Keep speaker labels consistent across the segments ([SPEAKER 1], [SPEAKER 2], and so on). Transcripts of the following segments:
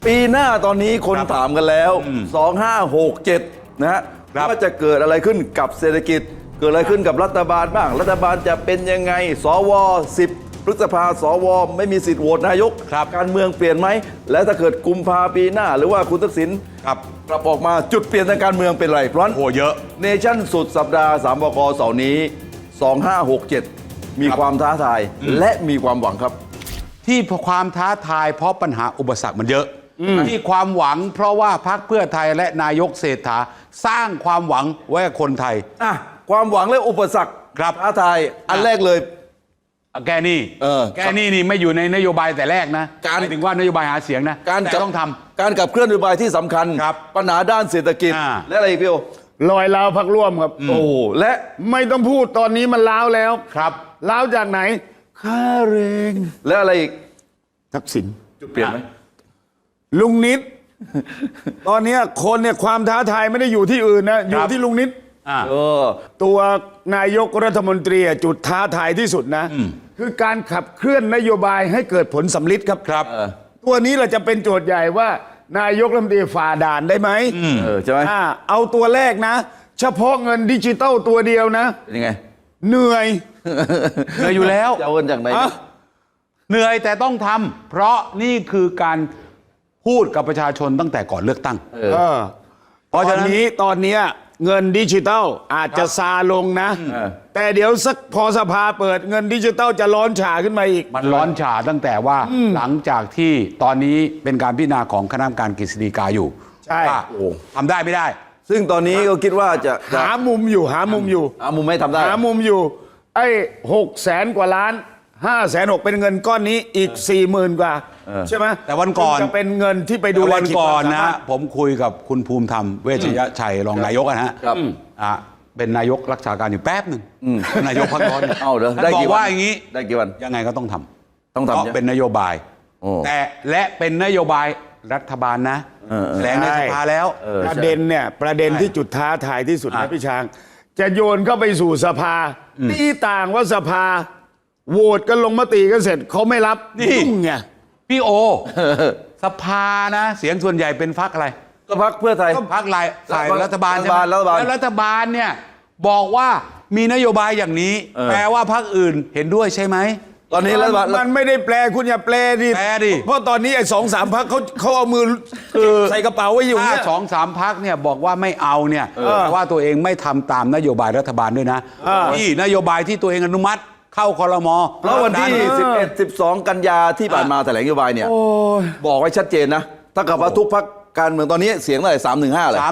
[SPEAKER 1] ปีหน้าตอนนี้คนถามกันแล้ว 2567 นะฮะว่าจะเกิดอะไรขึ้นกับเศรษฐกิจ เกิดอะไรขึ้นกับรัฐบาลบ้าง รัฐบาลจะเป็นยังไง สว 10 พฤษภาสว ไม่มีสิทธิ์โหวตนายก การเมืองเปลี่ยนไหม แล้วถ้าเกิดกุมภาปีหน้า หรือว่าคุณทักษิณกลับออกมาจุดเปลี่ยนทางการเมืองเป็นไรเพราะฉะนั้น
[SPEAKER 2] เยอะ
[SPEAKER 1] เนชั่นสุดสัปดาห์3 บก.เสาร์นี้ 2567 มีความท้าทายและมีความหวังครับ
[SPEAKER 2] ที่ความท้าทายเพราะปัญหาอุปสรรคมันเยอะที่ความหวังเพราะว่าพรรคเพื่อไทยและนายกเศรษฐาสร้างความหวังไว้กับคนไทย
[SPEAKER 1] ความหวังและอุปสรรคท้าทายอันแรกเลย
[SPEAKER 2] แกนี่นี่ไม่อยู่ในนโยบายแต่แรกนะการถึงว่านโยบายหาเสียงนะ
[SPEAKER 1] การ
[SPEAKER 2] ต้องท
[SPEAKER 1] ำการขับเคลื่อนนโยบายที่สำคัญปัญหาด้านเศรษฐกิจและอะไรอีกพี่โอ
[SPEAKER 3] ลอยล้าวพรรคร่วมครับ
[SPEAKER 1] โอ้และ
[SPEAKER 3] ไม่ต้องพูดตอนนี้มันล้าวแล้ว
[SPEAKER 2] ครับ
[SPEAKER 3] ล้าวจากไหนค่าแรง
[SPEAKER 1] และอะไรอีก
[SPEAKER 3] ทักษิณ
[SPEAKER 1] จุดเปลี่ยนไหม
[SPEAKER 3] ลุงนิดตอนนี้คนเนี่ยความท้าทายไม่ได้อยู่ที่อื่นนะอยู่ที่ลุงนิดตัวนายกรัฐมนตรีจุดท้าทายที่สุดนะคือการขับเคลื่อนนโยบายให้เกิดผลสำลิดครับตัวนี้เราจะเป็นโจทย์ใหญ่ว่านายกรัฐมนตรีฝ่าด่านได้ไหม
[SPEAKER 1] ใช่ไหม
[SPEAKER 3] เอาตัวแรกนะเฉพาะเงินดิจิตอลตัวเดียวนะ
[SPEAKER 1] เป็นยังไง
[SPEAKER 3] เหนื่อย
[SPEAKER 2] อยู่แล้ว
[SPEAKER 1] จะเอาเงินจากไหน
[SPEAKER 2] เหนื่อยแต่ต้องทำเพราะนี่คือการพูดกับประชาชนตั้งแต่ก่อนเลือกตั้ง
[SPEAKER 3] เพราะฉะนั้นตอนนี้เงินดิจิตอลอาจจะซาลงนะแต่เดี๋ยวสักพอสภาเปิดเงินดิจิตอลจะร้อนฉ่าขึ้นมาอีก
[SPEAKER 2] มันร้อนฉ่าตั้งแต่ว่าหลังจากที่ตอนนี้เป็นการพิจารณาของคณะกรรมการกฤษฎีกาอยู่
[SPEAKER 3] ใช่
[SPEAKER 2] ทำได้ไม่ได้
[SPEAKER 1] ซึ่งตอนนี้ก็คิดว่าจะ
[SPEAKER 3] หามุมอยู่หามุม
[SPEAKER 1] ไม่ทำได้
[SPEAKER 3] หามุมอยู่ไอ้600,000 กว่าล้าน560,000เป็นเงินก้อนนี้อีก 40,000 กว่าใช่ไหม
[SPEAKER 2] แต่วันก่อน
[SPEAKER 3] จะเป็นเงินที่ไปดู
[SPEAKER 2] วันก่อนนะผมคุยกับคุณภูมิธรรมเวชยชัยรองนายกนะฮะเป็นนายกรักษาการอยู่แป๊บหนึ่งนายกพักร้อน
[SPEAKER 1] ได้
[SPEAKER 2] บอกว่าอย่างนี้
[SPEAKER 1] ได้กี่วัน
[SPEAKER 2] ยังไงก็ต้องทำ
[SPEAKER 1] เพ
[SPEAKER 2] ราะเป็นนโยบายแต่และเป็นนโยบายรัฐบาลนะแถลงในสภาแล้ว
[SPEAKER 3] ประเด็นที่จุดท้าทายที่สุดนะพี่ช้างจะโยนเข้าไปสู่สภาที่ต่างว่าสภาโหวตกันลงมติกันเสร็จเขาไม่รับ
[SPEAKER 2] นี่ไงพี่โอสภานะเสียงส่วนใหญ่เป็นพรรคอะไร
[SPEAKER 1] ก็พรรคเพื่อไทย
[SPEAKER 2] พรรคฝ่ายรัฐบาลใช่ไหมแล้วรัฐบาลเนี่ยบอกว่ามีนโยบายอย่างนี้แปลว่าพรรคอื่นเห็นด้วยใช่ไหม
[SPEAKER 1] ตอนนี้รัฐบาล
[SPEAKER 3] มันไม่ได้แปลคุณอย่าแปลดิเพราะตอนนี้ไอ้2-3 พรรคเขาเอามือใส่กระเป๋าไว้อยู่เนี่ย
[SPEAKER 2] 2-3 พรรคเนี่ยบอกว่าไม่เอาเนี่ยว่าตัวเองไม่ทำตามนโยบายรัฐบาลด้วยนะที่นโยบายที่ตัวเองอนุมัติเข้าครม.
[SPEAKER 1] แล้ววันที่11-12 กันยาที่ผ่านมาแถลงนโยบายเนี่ยบอกไว้ชัดเจนนะถ้ากับว่าทุกพรรคการเมืองตอนนี้เสียงเท่าไหร่315เลย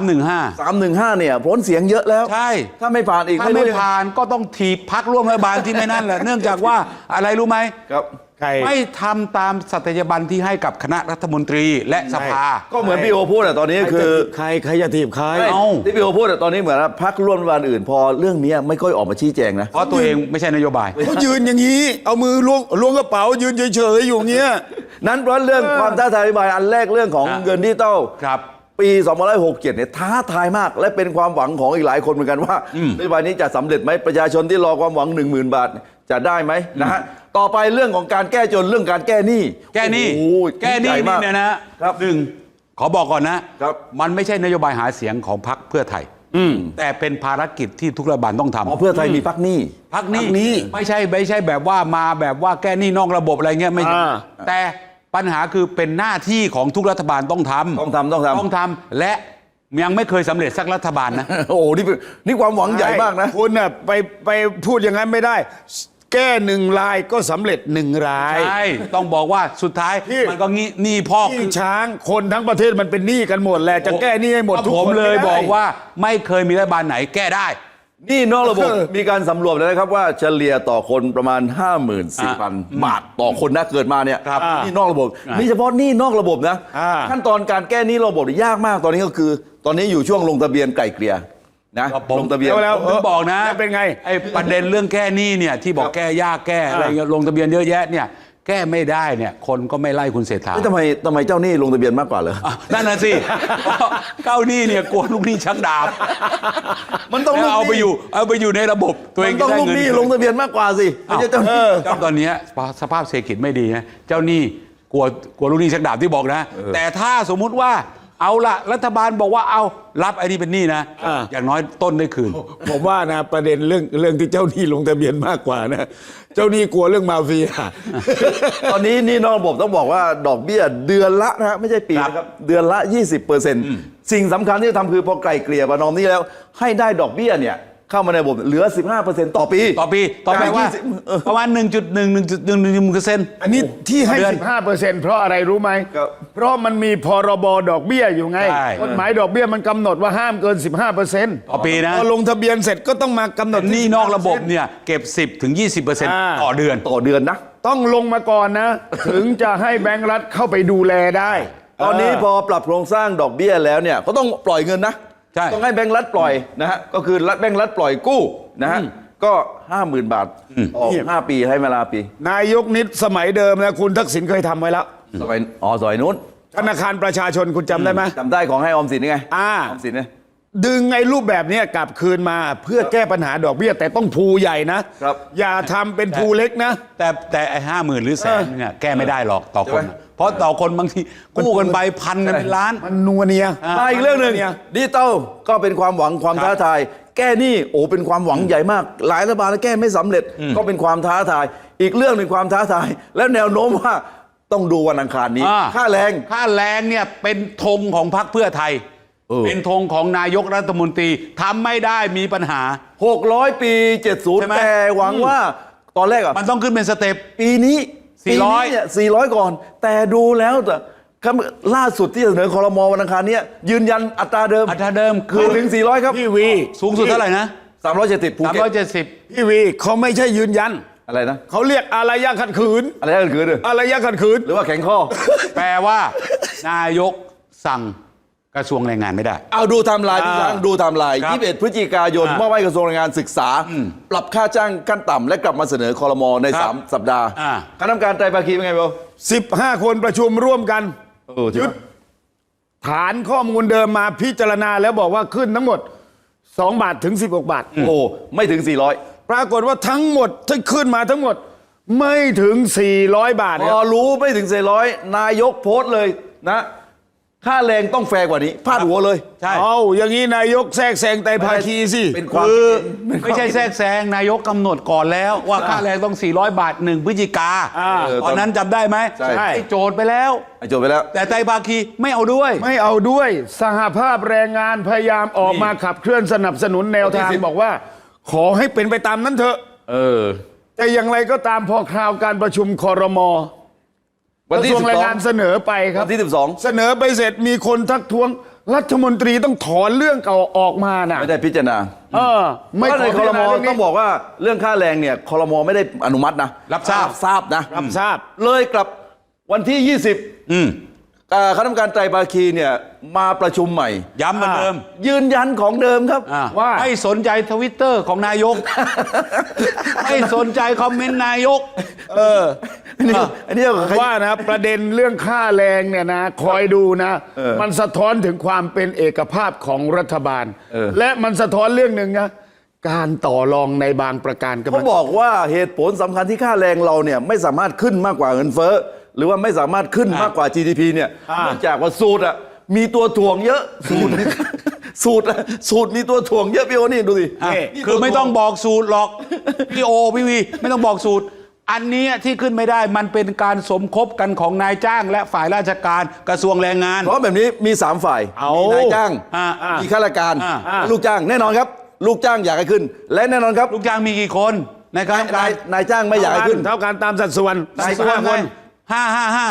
[SPEAKER 1] 315เนี่ยพ้นเสียงเยอะแล้ว
[SPEAKER 2] ใช่
[SPEAKER 1] ถ้าไม่ผ่านอีก
[SPEAKER 2] ถ้าไม่ผ่านก็ต้องถีบพรรคร่วมรัฐบาลที่ไม่นั่นแหละเนื่องจากว่าอะไรรู้ไหม
[SPEAKER 1] ครับ
[SPEAKER 2] ไม่ทำตามสัตยาบันที่ให้กับคณะรัฐมนตรีและสภา
[SPEAKER 1] ก็เหมือนพี่โอพูดตอนนี้คือ
[SPEAKER 3] ใครจะถีบใคร
[SPEAKER 1] ที่พี่โอพูดตอนนี้เหมือนพรรคร่วมรัฐบาลอื่นพอเรื่องนี้ไม่ค่อยออกมาชี้แจงนะ
[SPEAKER 2] เพราะตัวเองไม่ใช่นโยบาย
[SPEAKER 3] เขายืนอย่างนี้เอามือล้วงกระเป๋ายืนเฉยๆอยู่เงี้ย
[SPEAKER 1] นั้นเพราะเรื่องความท้าทายนโยบายอันแรกเรื่องของเงินดิจิตอลปี2567เนี่ยท้าทายมากและเป็นความหวังของอีกหลายคนเหมือนกันว่านโยบายนี้จะสำเร็จไหมประชาชนที่รอความหวัง 10,000 บาทจะได้ไหมนะฮะต่อไปเรื่องของการแก้จนเรื่องการแก้หนี้
[SPEAKER 2] เนี่ยนะครับขอบอกก่อนนะครับมันไม่ใช่นโยบายหาเสียงของพรรคเพื่อไทยแต่เป็นภารกิจที่ทุกรัฐบาลต้องทำ
[SPEAKER 1] เพื่อไทยมีพรรคหนี้
[SPEAKER 2] ไม่ใช่แบบว่ามาแบบว่าแก้หนี้นอกระบบอะไรเงี้ยไม่แต่ปัญหาคือเป็นหน้าที่ของทุกรัฐบาลต้องทำและยังไม่เคยสำเร็จสักรัฐบาลนะ
[SPEAKER 1] โอ้นี่ความหวังใหญ่มากนะ
[SPEAKER 3] คุณน่ะไปพูดอย่างนั้นไม่ได้แก้1 รายก็สำเร็จ1 ราย
[SPEAKER 2] ใช่ต้องบอกว่าสุดท้ายมันก็หนี้พอก
[SPEAKER 3] ช้างคนทั้งประเทศมันเป็นหนี้กันหมดแหละจะแก้หนี้ให้หมดทุกคน
[SPEAKER 2] ผมเลยบอกว่าไม่เคยมีรัฐบาลไหนแก้ได้
[SPEAKER 1] นี่นอกระบบมีการสำรวจเลยนะครับว่าเฉลี่ยต่อคนประมาณ 54,000 บาทต่อคนนะเกิดมาเนี่ยนี่นอกระบบนี่เฉพาะนี่นอกระบบนะขั้นตอนการแก้หนี้ระบบยากมากตอนนี้ก็คือตอนนี้อยู่ช่วงลงทะเบียนไกล่เกลี่ยนะลงทะเบียน
[SPEAKER 3] แล้ว
[SPEAKER 2] ผมบอกนะ
[SPEAKER 3] เป็นไง
[SPEAKER 2] ไอ้ประเด็นเรื่องแก้หนี้เนี่ยที่บอกแก้ยากแก้อะไรลงทะเบียนเยอะแยะเนี่ยแก้ไม่ได้เนี่ยคนก็ไม่ไล่คุณเศรษฐา
[SPEAKER 1] ทำไมเจ้าหนี้ลงทะเบียนมากกว่าเหรอ
[SPEAKER 2] นั่นน่ะสิเจ้าหนี้เนี่ยกลัวลูกหนี้ชักดาบ
[SPEAKER 1] มันต้อง
[SPEAKER 2] เอาไปอยู่ในระบบตัวเอง
[SPEAKER 1] ต้องลูกหนี้ลงทะเบียนมากกว่าสิไม่ใช่เจ้าหนี้
[SPEAKER 2] ตอนนี้สภาพเศรษฐกิจไม่ดีนะเจ้าหนี้กลัวลูกหนี้ชักดาบที่บอกนะ แต่ถ้าสมมุติว่าเอาละรัฐบาลบอกว่าเอารับไอ้นี่เป็นหนี้นะอย่างน้อยต้นได้คืน
[SPEAKER 3] ผมว่านะประเด็นเรื่องที่เจ้าหนี้ลงทะเบียนมากกว่านะเจ้าหนี้กลัวเรื่องมาเฟีย
[SPEAKER 1] ตอนนี้หนี่นอกระบบต้องบอกว่าดอกเบี้ยเดือนละนะฮะไม่ใช่ปีนะครับเดือนละ 20%สิ่งสำคัญที่จะทำคือพอไกลเกลี่ยประนอมหนี้แล้วให้ได้ดอกเบี้ยเนี่ยเข้ามาในระบบเหลือ 15%ต่อปี
[SPEAKER 2] ต่อไปว่าประมาณ 1.1%
[SPEAKER 3] อันนี้ที่ให้
[SPEAKER 2] เดือน
[SPEAKER 3] 15%เพราะอะไรรู้ไหม
[SPEAKER 1] ครับ
[SPEAKER 3] เพราะมันมีพรบดอกเบี้ยอยู่ไง
[SPEAKER 2] ใช่
[SPEAKER 3] กฎหมายดอกเบี้ยมันกำหนดว่าห้ามเกิน 15%
[SPEAKER 2] ต่อปีนะ
[SPEAKER 3] พอลงทะเบียนเสร็จก็ต้องมากำหนด
[SPEAKER 2] หนี้นอกระบบเนี่ยเก็บ 10-20% ต่อเดือน
[SPEAKER 1] ต่อเดือนนะ
[SPEAKER 3] ต้องลงมาก่อนนะ ถึงจะให้แบงก์รัฐเข้าไปดูแลได้
[SPEAKER 1] ตอนนี้พอปรับโครงสร้างดอกเบี้ยแล้วเนี่ยก็ต้องปล่อยเงินนะ
[SPEAKER 2] ใช่
[SPEAKER 1] ต้องให้แบงก์รัฐปล่อยนะฮะก็คือแบงก์รัฐปล่อยกู้นะฮะก็ 50,000 บาทต่อ5 ปีให้เวลาปี
[SPEAKER 3] นายกนิดสมัยเดิมนะคุณทักษิณเคยทำไว้แล้ว
[SPEAKER 1] ซอยนู้น
[SPEAKER 3] ธนาคารประชาชนคุณจำได้ไหม
[SPEAKER 1] จำได้ของให้ออมสินไง
[SPEAKER 3] อ่า
[SPEAKER 1] ออมสินเนี่ย
[SPEAKER 3] ดึงไอ้รูปแบบเนี้ยกลับคืนมาเพื่อแก้ปัญหาดอกเบี้ยแต่ต้องภูใหญ่นะครับ อย่าทำเป็นภูเล็กนะ
[SPEAKER 2] แต่ไอ้50,000 หรือแสนเนี่ยแก้ไม่ได้หรอกต่อคน
[SPEAKER 1] ใช่ไหม
[SPEAKER 2] เพราะต่อคนบางทีกู้กันไปพันกันเป็นล้าน
[SPEAKER 3] มันนัวเนีย
[SPEAKER 1] มาอีกเรื่องหนึ่ง
[SPEAKER 3] เนี่ย
[SPEAKER 1] ดิจิตอลก็เป็นความหวังความท้าทาย แก้หนี้โอ้เป็นความหวังใหญ่มาก หลายรัฐบาลแก้ไม่สำเร็จก็เป็นความท้าทาย อีกเรื่องหนึ่งความท้าทาย แล้วแนวโน้มว่าต้องดูวันอังคารนี้ ค่าแรง
[SPEAKER 2] ค่าแรงเนี่ยเป็นธงของพรรคเพื่อไทย เป็นธงของนายกรัฐมนตรีทำไม่ได้มีปัญหา
[SPEAKER 1] 600 ปี
[SPEAKER 2] ใช่ไหม
[SPEAKER 1] 70 แต่หวังว่าตอนแรกอะ
[SPEAKER 2] มันต้องขึ้นเป็นสเต็ป
[SPEAKER 1] ปีนี้
[SPEAKER 2] 400
[SPEAKER 1] ปีนี้เนี่ย400 ก่อน แต่ดูแล้วแต่ล่าสุดที่เสนอครม.วันอังคารเนี้ยยืนยันอัตราเดิม
[SPEAKER 2] อัตราเดิมคื
[SPEAKER 1] คือ
[SPEAKER 2] อ
[SPEAKER 1] ถึง 400 ครับ
[SPEAKER 3] พี่วี
[SPEAKER 2] สูงสุดเท่าไหร่นะ
[SPEAKER 1] 370ภูเก็ต
[SPEAKER 2] 370
[SPEAKER 3] พี่วีเขาไม่ใช่ยืนยัน
[SPEAKER 1] อะไรนะ
[SPEAKER 3] เขาเรียกอารยะขัดขืน
[SPEAKER 1] อะไรกันคือ
[SPEAKER 3] อารยะขัดขืน
[SPEAKER 1] หรือว่าแข็งข้อ
[SPEAKER 2] แปลว่า นายกสั่งกระทรวงแรงงานไม่ได้
[SPEAKER 1] เอาดูไทม์ไลน์พี่ช้างดูไทม์ไลน์
[SPEAKER 2] ครับ
[SPEAKER 1] 21 พฤศจิกายนมอบให้กระทรวงแรงงานศึกษา ปรับค่าจ้างขั้นต่ำและกลับมาเสนอครม.ใน
[SPEAKER 2] ครับ
[SPEAKER 1] 3 สัปดาห์
[SPEAKER 2] อ่า
[SPEAKER 1] คณะกรรมการไตรภาคีเป็นไงเบล
[SPEAKER 3] 15 คนประชุมร่วมกัน
[SPEAKER 1] ยึด
[SPEAKER 3] ฐานข้อมูลเดิมมาพิจารณาแล้วบอกว่าขึ้นทั้งหมด 2 บาทถึง 16 บาท
[SPEAKER 1] โอ้ไม่ถึง 400
[SPEAKER 3] ปรากฏว่าทั้งหมดที่ขึ้นมาทั้งหมดไม่ถึง 400 บาท
[SPEAKER 1] พ
[SPEAKER 3] ค
[SPEAKER 1] อ
[SPEAKER 3] รับ
[SPEAKER 1] รู้ไม่ถึง 400 นายกโพสต์เลยนะ ค่าแรงต้องแฟร์กว่านี้พาดหัวเลย
[SPEAKER 2] ใช่
[SPEAKER 3] เอาอย่างนี้นายกแทรกแซงไตรภาคีสิ
[SPEAKER 1] เป็นความ
[SPEAKER 2] คือ
[SPEAKER 1] เป็นความ
[SPEAKER 2] ไม่ใช่แทรกแซงนายกกำหนดก่อนแล้วว่าค่าแรงต้อง 400 บาท 1 พฤศจิกา ตอนนั้นจำได้ไหม
[SPEAKER 1] ใช่
[SPEAKER 2] ให้โจทย์ไปแล้ว
[SPEAKER 1] จบไปแล้ว
[SPEAKER 2] แต่ไตรภาคีไม่เอาด้วย
[SPEAKER 3] ไม่เอาด้วยสหภาพแรงงานพยายามออกมาขับเคลื่อนสนับสนุนแนวทาง
[SPEAKER 1] วันที่10
[SPEAKER 3] บอกว่า ขอให้เป็นไปตามนั้นเถอะ
[SPEAKER 1] เออ
[SPEAKER 3] แต่อย่างไรก็ตามพอคราวการประชุมครม.ก
[SPEAKER 1] วัน
[SPEAKER 3] ระ
[SPEAKER 1] ที่
[SPEAKER 3] ทรวงแรงงานเสนอไปค
[SPEAKER 1] วั
[SPEAKER 3] รับ
[SPEAKER 1] นที่
[SPEAKER 3] เสนอไปเสร็จมีคนทักท้วงรัฐมนตรีต้องถอนเรื่องเก่าออกมานะ
[SPEAKER 1] 12 ไม่ได้พิจารณา
[SPEAKER 3] ไม่
[SPEAKER 1] เพราะใน
[SPEAKER 3] ข
[SPEAKER 1] ค
[SPEAKER 3] อ
[SPEAKER 1] ร
[SPEAKER 3] พิจาม ณาเรื่อง
[SPEAKER 1] ต้
[SPEAKER 3] นี้
[SPEAKER 1] องบอกว่าเรื่องค่าแรงเนี่ยครมไม่ได้อนุมัตินะ
[SPEAKER 2] รับทราบ
[SPEAKER 1] ทราบนะ
[SPEAKER 3] รับทราบ
[SPEAKER 1] เลยกลับวันที่ 20คณะกรรมการไตรภาคีเนี่ยมาประชุมใหม่
[SPEAKER 2] ย้ำเหมือนเดิม
[SPEAKER 1] ยืนยันของเดิมครับ
[SPEAKER 3] ว่า
[SPEAKER 2] ไม่สนใจทวิตเตอร์ของนายก ไม่สนใจคอมเมนต์นายก
[SPEAKER 1] อันนี้ใคร
[SPEAKER 3] ว่านะประเด็นเรื่องค่าแรงเนี่ยนะคอยดูนะ มันสะท้อนถึงความเป็นเอกภาพของรัฐบาล และมันสะท้อนเรื่องหนึ่งนะการต่อรองในบางประการก็
[SPEAKER 1] เขาบอกว่าเหตุผลสำคัญที่ค่าแรงเราเนี่ยไม่สามารถขึ้นมากกว่าเงินเฟ้อหรือว่าไม่สามารถขึ้นมากกว่า GDP เนี่ยเนื่องจากว่าสูตรอ่ะมีตัวถ่วงเยอะสูตรมีตัวถ่วงเยอะพี่โอนี่ดูสิ นี่
[SPEAKER 2] คือ
[SPEAKER 1] ตัว
[SPEAKER 2] ไม่ต้องบอกสูตรหรอก พี่โอพี่วีไม่ต้องบอกสูตร อันเนี้ยที่ขึ้นไม่ได้มันเป็นการสมคบกันของนายจ้างและฝ่ายราชการกระทรวงแรงงาน
[SPEAKER 1] เพราะแบบนี้มี3ฝ่ายมีนายจ้าง มีข้าราชการและลูกจ้างแน่นอนครับ ลูกจ้างอยากให้ขึ้น และแน่นอนครับ
[SPEAKER 2] ลูกจ้างมีกี่คนในคณะกรรมการ
[SPEAKER 1] นายจ้างไม่อยากให้ขึ้น
[SPEAKER 3] เท่ากันตามสัดส่วน
[SPEAKER 2] นายจ้าง
[SPEAKER 3] คน
[SPEAKER 2] ห้า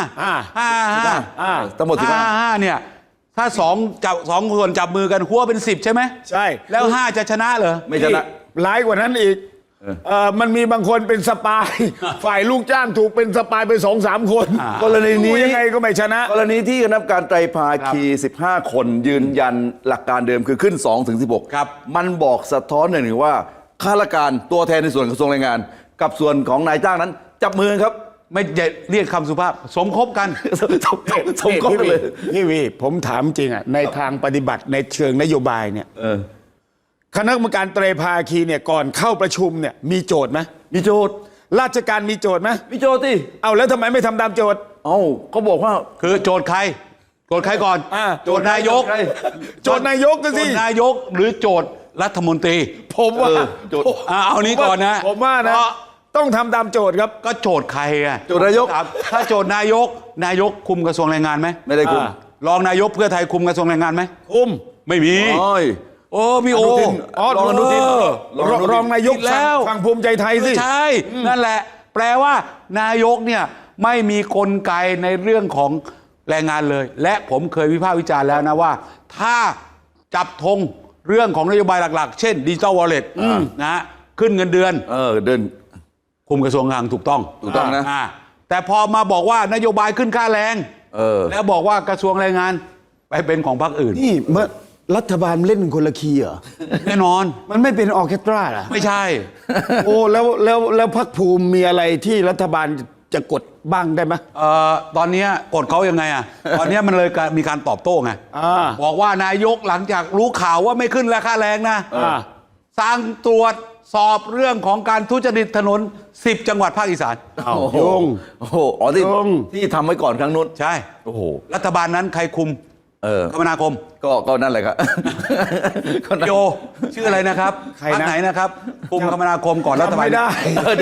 [SPEAKER 1] ทั้งหมด15
[SPEAKER 2] เนี่ยถ้าสองคนจับมือกันหัวเป็น 10 ใช่ไหม
[SPEAKER 3] ใช่
[SPEAKER 2] แล้ว 5 จะชนะเหรอ
[SPEAKER 1] ไม่ชนะ
[SPEAKER 3] ร้ายกว่านั้นอีกมันมีบางคนเป็นสปาย ฝ่ายลูกจ้างถูกเป็นสปายไป2-3 คน
[SPEAKER 1] กรณีนี้
[SPEAKER 3] สู้ยังไงก็ไม่ชนะ
[SPEAKER 1] กรณีที่คณะกรรมการไตรภาคี 15 คนยืนยันหลักการเดิมคือขึ้น 2-16
[SPEAKER 2] ครับ
[SPEAKER 1] มันบอกสะท้อนหนึ่งว่าข้าราชการตัวแทนในส่วนกระทรวงแรงงาน กับส่วนของนายจ้างนั้นจับมือครับ
[SPEAKER 2] ไม่เรียกคำสุภาพ สมคบกัน
[SPEAKER 1] สมคบกันเลย
[SPEAKER 3] พี่วีผมถามจริงอ่ะในทางปฏิบัติในเชิงนโยบายเนี่ยคณะกรรมการไตรภาคีเนี่ยก่อนเข้าประชุมเนี่ยมีโจทย์ไหม
[SPEAKER 1] มีโจทย์
[SPEAKER 3] ราชการมีโจทย์ไหม
[SPEAKER 1] มีโจทย์ที่
[SPEAKER 3] เอาแล้วทำไมไม่ทำตามโจทย์
[SPEAKER 1] เอ้าเขาบอกว่า
[SPEAKER 2] คือโจทย์ใครโจทย์ใครก่อน โจทย์นายก
[SPEAKER 1] ใคร
[SPEAKER 3] โจทย์นายกกัน
[SPEAKER 2] โจ
[SPEAKER 3] สิ
[SPEAKER 2] ทย์นายกหรือโจทย์รัฐมนตรี
[SPEAKER 3] ผมว่า
[SPEAKER 1] โจทย์
[SPEAKER 2] เอานี้ก่อนนะ
[SPEAKER 3] ผมว่านะ
[SPEAKER 2] เพระ
[SPEAKER 3] ต้องทำตามโจทย์ครับ
[SPEAKER 2] ก็โจทย์ใครอะ
[SPEAKER 1] โจทย์นายก
[SPEAKER 2] ถ้าโจทย์นายกคุมกระทรวงแรงงานไหม
[SPEAKER 1] ไม่ได้คุณ
[SPEAKER 2] รองนายกเพื่อไทยคุมกระทรวงแรงงานไหม
[SPEAKER 3] คุม
[SPEAKER 2] ไม่มี
[SPEAKER 1] โอ้ย
[SPEAKER 2] โอ้พี่โอ
[SPEAKER 3] อ๋อ
[SPEAKER 1] รองอนุทิน
[SPEAKER 3] รองนายก
[SPEAKER 2] ผิดแล้ว
[SPEAKER 3] ฝั่งภูมิใจไทยสิ
[SPEAKER 2] ใช่ นั่นแหละ แปลว่านายกเนี่ยไม่มีกลไกในเรื่องของแรงงานเลย และผมเคยวิพากษ์วิจารณ์แล้วนะว่า ถ้าจับธงเรื่องของนโยบายหลักๆ เช่นดิจิตอลวอลเล็ตนะฮะขึ้นเงินเดือน
[SPEAKER 1] เดิน
[SPEAKER 2] คุมกระทรวงคลังถูกต้อง
[SPEAKER 1] ถูกต้องนะ
[SPEAKER 2] แต่พอมาบอกว่านโยบายขึ้นค่าแรง แล้วบอกว่ากระทรวงแรงงานไปเป็นของพรรคอื่น
[SPEAKER 3] นี่เมื่อรัฐบาลเล่นคนละคีย์เหรอ
[SPEAKER 2] แน่นอน
[SPEAKER 3] มันไม่เป็นออร์เคสตราเหรอ
[SPEAKER 2] ไม่ใช่
[SPEAKER 3] โอ้แล้วพรรคภูมิมีอะไรที่รัฐบาลจะกดบ้างได้ไหม
[SPEAKER 2] ตอนเนี้ยกดเขายังไงอ่ะ ตอนเนี้ยมันเลยมีการตอบโต้ไง บอกว่านายกหลังจากรู้ข่าวว่าไม่ขึ้นราคาแรงนะสั่งตรวจสอบเรื่องของการทุจริตถนน 10 จังหวัดภาคอีสาน
[SPEAKER 3] ยุ่ง
[SPEAKER 1] โอ้โหอ๋อที่
[SPEAKER 3] ยุ่ง
[SPEAKER 1] ที่ทำไว้ก่อนครั้งนู้น
[SPEAKER 2] ใช่
[SPEAKER 1] โอ้โห
[SPEAKER 2] รัฐบาลนั้นใครคุมคมนาคม
[SPEAKER 1] ก็นั่นแหละครับ
[SPEAKER 2] โยชื่ออะไรนะครับ
[SPEAKER 3] ใครนะ
[SPEAKER 2] พรรคไหนนะครับ คุมคมนาคมก่อนรัฐบาล
[SPEAKER 3] จำไม่ได้